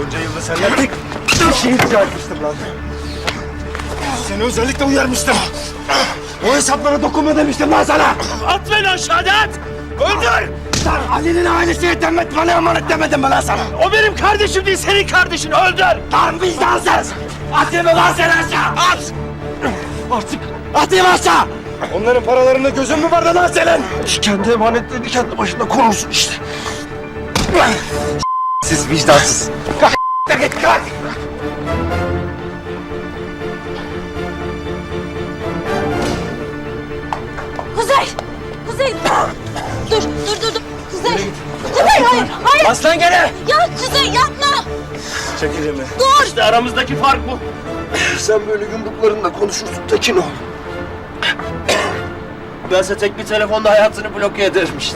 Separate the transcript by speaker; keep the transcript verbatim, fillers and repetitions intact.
Speaker 1: Bunca yılda senden tek bir şey rica etmiştim lan. Seni özellikle uyarmıştım. O hesaplara dokunma demiştim lan sana.
Speaker 2: At beni aşağıda at! Öldür!
Speaker 1: Sen Ali'nin ailesine demet bana emanet demedim mi lan sana?
Speaker 2: O benim kardeşim değil, senin kardeşin. Öldür!
Speaker 1: Lan vicdansız! Atayım mı lan seni aşağı?
Speaker 2: At!
Speaker 1: Artık atayım aşağı! Onların paralarında gözün mü vardı lan senin?
Speaker 2: Kendi emanetlerini kendi başında korursun işte.
Speaker 1: Siz vicdansız. Kalk da git kalk!
Speaker 3: Kuzey! Kuzey! Dur, dur, dur, dur. Kuzey! Kuzey, hayır, hayır!
Speaker 1: Aslan gene!
Speaker 3: Ya Kuzey yapma!
Speaker 1: Çekil elimi.
Speaker 3: Dur!
Speaker 2: İşte aramızdaki fark bu.
Speaker 1: Sen böyle yumruklarınla konuşursun Tekin ol.
Speaker 2: Bense tek bir telefonda hayatını bloke ederim işte.